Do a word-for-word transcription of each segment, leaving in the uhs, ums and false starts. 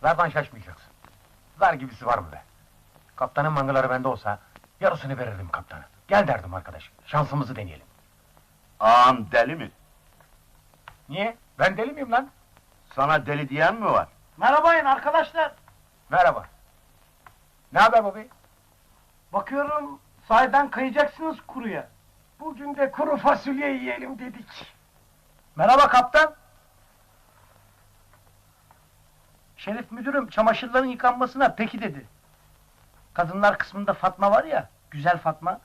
Zardan şaşmayacaksın. Zar gibisi var mı be? Kaptanın mangaları bende olsa, yarısını verirdim kaptana. Gel derdim arkadaş, şansımızı deneyelim. Ağam deli mi? Niye? Ben deli miyim lan? Sana deli diyen mi var? Merhabayın arkadaşlar. Merhaba. Ne haber babi? Bakıyorum sahiden kayacaksınız kuruya. Bugün de kuru fasulye yiyelim dedik. Merhaba kaptan. Şerif müdürüm çamaşırların yıkanmasına peki dedi. Kadınlar kısmında Fatma var ya, güzel Fatma.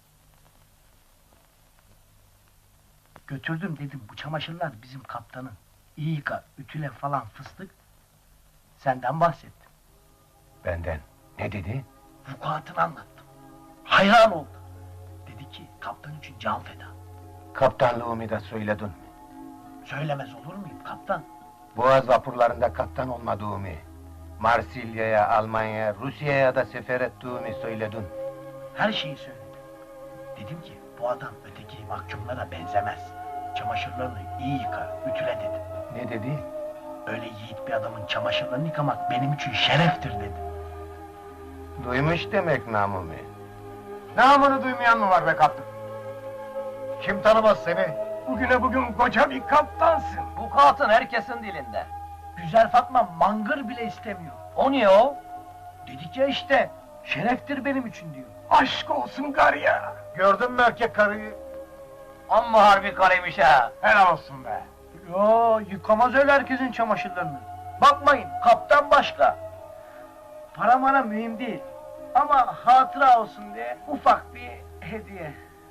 Götürdüm dedim, bu çamaşırlar bizim kaptanın. İyi yıka, ütüle falan fıstık. Senden bahsettim. Benden. Ne dedi? Vukuatını anlattım. Hayran oldu. Dedi ki, kaptan için can feda. Kaptanlığımı da söyledin mi? Söylemez olur muyum kaptan? Boğaz vapurlarında kaptan olmadığımı, Marsilya'ya, Almanya'ya, Rusya'ya da sefer ettiğimi söyledin. Her şeyi söyledim. Dedim ki, bu adam öteki mahkumlara benzemez. Çamaşırlarını iyi yıka, ütüle dedi. Ne dedi? Öyle yiğit bir adamın çamaşırlarını yıkamak benim için şereftir dedi. Duymuş demek namımı. Namını duymayan mı var be kaptan? Kim tanımaz seni? Bugüne bugün koca bir kaptansın. Bu katın herkesin dilinde. Güzel Fatma mangır bile istemiyor. O niye o? Dedik ya işte, şereftir benim için diyor. Aşk olsun garya. Gördün mü erkek karıyı? Amma harbi karıymış ha! Helal olsun be. Yo, yıkamaz öyle herkesin çamaşırlarını. Bakmayın, kaptan başka. Para mara mühim değil. Ama hatıra olsun diye ufak bir hediye.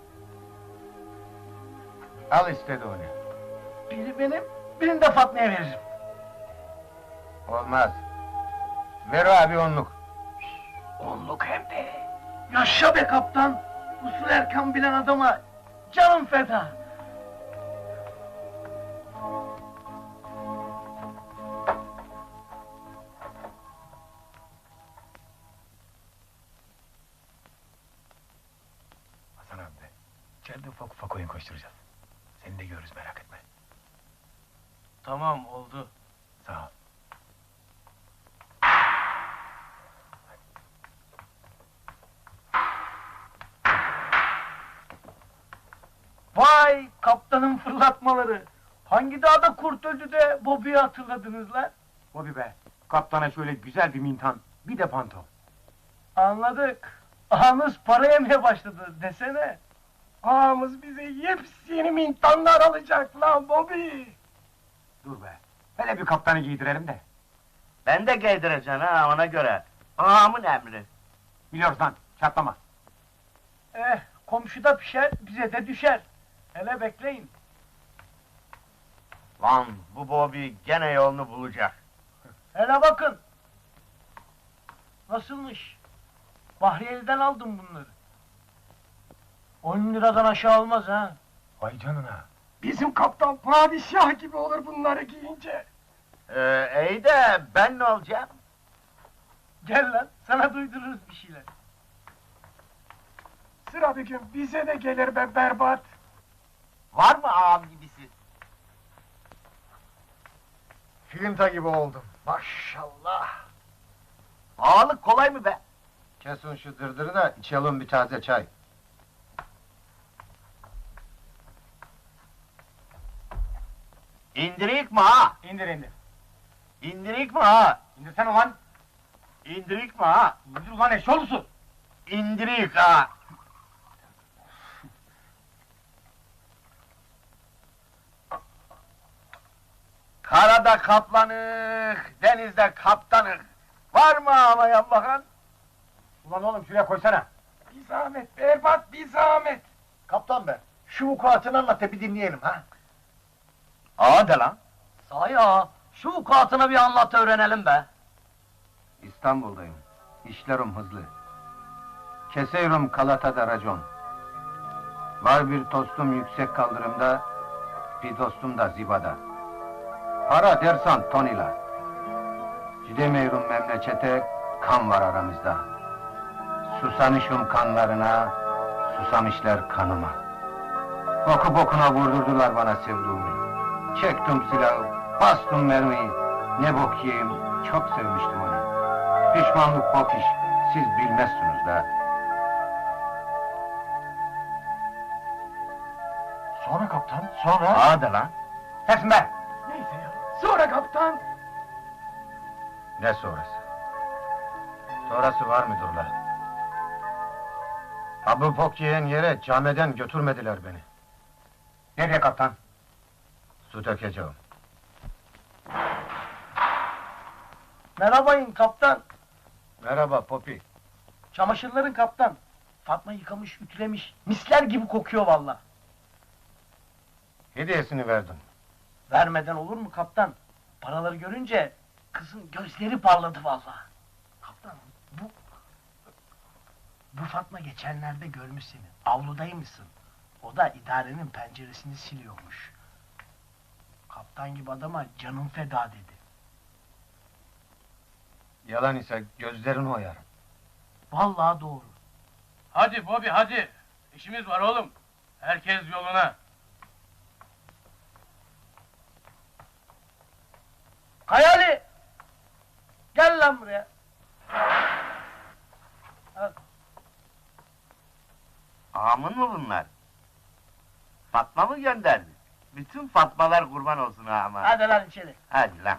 Al istedi onu. Biri benim, birini de Fatma'ya veririm. Olmaz. Ver abi onluk. Onluk hem de. Yaşa be kaptan! Usul Erkan bilen adama canım feda! Hasan abi be, içeride ufak ufak oyun koşturacağız. Seni de görürüz, merak etme. Tamam oldu. Sağ ol. Vay kaptanın fırlatmaları! Hangi dağda kurt öldü de Bobby'yi hatırladınız lan? Bobby be, kaptana şöyle güzel bir mintan, bir de panto. Anladık. Ağamız para yemeye başladı desene. Ağamız bize yepyeni mintanlar alacak lan Bobby. Dur be, hele bir kaptanı giydirelim de. Ben de giydireceğim ha ona göre. Ağamın emri. Biliyoruz lan, çatlama. Eh, komşuda pişer, bize de düşer. Hele bekleyin. Lan bu Bobby gene yolunu bulacak. Hele bakın. Nasılmış? Bahriyeli'den aldım bunları. On liradan aşağı olmaz ha. Vay canına. Bizim kaptan padişah gibi olur bunları giyince. Ee, iyi de ben ne olacağım? Gel lan, sana duydururuz bir şeyler. Sıra bir gün bize de gelir be berbat. Var mı ağam gibisi? Filinta gibi oldum. Maşallah. Ağalık kolay mı be? Kesin şu dırdırı da içelim bir taze çay. İndirik mi ha? İndir indir. İndirik mi ha? İndirsene ulan. İndirik mi ha? İndir ulan eşoğlusu. İndirik ha! Karada kaplanık, denizde kaptanık. Var mı ağlayan bakan? Ulan oğlum şuraya koysana. Bir zahmet berbat bir zahmet. Kaptan be, şu vukuatını anlat da bir dinleyelim ha. Ağa de lan! Sahi ağa, şu vukuatını bir anlat öğrenelim be. İstanbul'dayım. İşlerim hızlı. Keseyrum Galata'da racon. Var bir dostum yüksek kaldırımda, bir dostum da zibada. Para dersan tonila. Gidemiyorum memlekete, kan var aramızda. Susamışım kanlarına, susamışlar kanıma. Boku bokuna vurdurdular bana sevduğumu. Çektim silahı, bastım mermiyi. Ne bok yiyeyim, çok sevmiştim onu. Pişmanlık bok iş, siz bilmezsiniz da. Sonra kaptan, sonra... Hadi lan. Kesin be! Neyse ya, sonra kaptan! Ne sonrası? Sonrası var mıdır lan? Ha bu bok yiyen yere camiden götürmediler beni. Nereye kaptan? Su dökeceğim. Merhabayın kaptan. Merhaba Popi. Çamaşırların kaptan. Fatma yıkamış, ütülemiş. Misler gibi kokuyor valla. Hediyesini verdim. Vermeden olur mu kaptan? Paraları görünce kızın gözleri parladı valla. Kaptan bu... Bu Fatma geçenlerde görmüş seni. Avludaymışsın. O da idarenin penceresini siliyormuş. Kaptan gibi adama canım feda dedi. Yalan ise gözlerini oyarım. Vallahi doğru. Hadi Bobby hadi. İşimiz var oğlum. Herkes yoluna. Hayali! Gel lan buraya. Al. Ağamın mı bunlar? Fatma mı gönderdi? Bütün Fatmalar kurban olsun ağama. Hadi lan içeri. Hadi lan.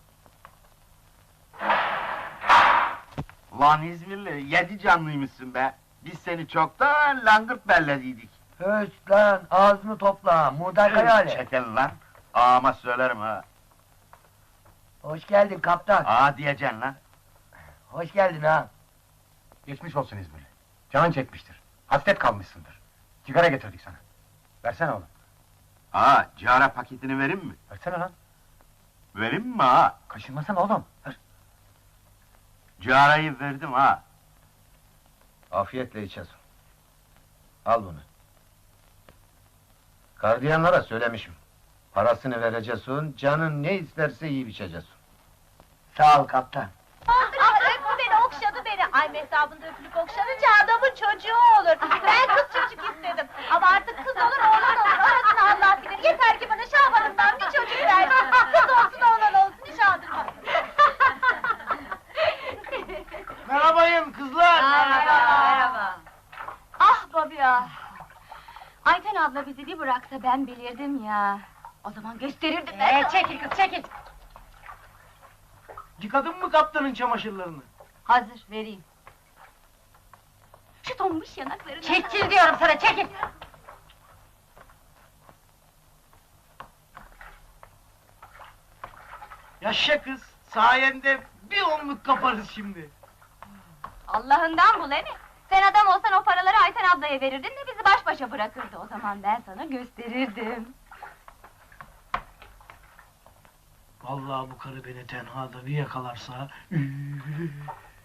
Lan İzmirli, yedi canlıymışsın be. Biz seni çoktan langırt bellediydik. Höst lan, ağzını topla, muğday hayali. Çekil lan. Ağama söylerim ha. Hoş geldin kaptan. Ağa diyeceksin lan. Hoş geldin ha. Geçmiş olsun İzmirli. Canın çekmiştir. Hasret kalmışsındır. Sigara getirdik sana. Versene oğlum. Ağa, cara paketini vereyim mi? Versene lan. Vereyim mi ağa? Kaşınmasana oğlum. Ver. Carayı verdim ha. Afiyetle içesin. Al bunu. Gardiyanlara söylemişim. Parasını vereceksin, canın ne isterse yiyip içeceksin. Sağ ol kaptan. Ah, öptü beni, okşadı beni. Ay mehtapında öpülüp okşanınca adamın çocuğu olur. Ben kız çocuk istedim. Ama artık kız olur, oğlan olur. Orasını Allah bilir. Yeter ki bana Şaban'ımdan bir çocuk versin. Kız olsun, oğlan olsun, hiç aldırmam. Merhabayın kızlar. Merhaba. Ah Bobby ah. Ayten abla bizi bir bıraksa ben bilirdim ya. O zaman gösterirdim ben. Ee, çekil kız çekil. Yıkadın mı kaptanın çamaşırlarını? Hazır vereyim. Şu tombiş yanaklarını... Çekil diyorum sana çekil! Yaşa kız. Sayende bir onluk kaparız şimdi. Allah'ından bul emi. Sen adam olsan o paraları Ayten ablaya verirdin de bizi baş başa bırakırdı. O zaman ben sana gösterirdim. Vallahi bu karı beni tenhada bir yakalarsa...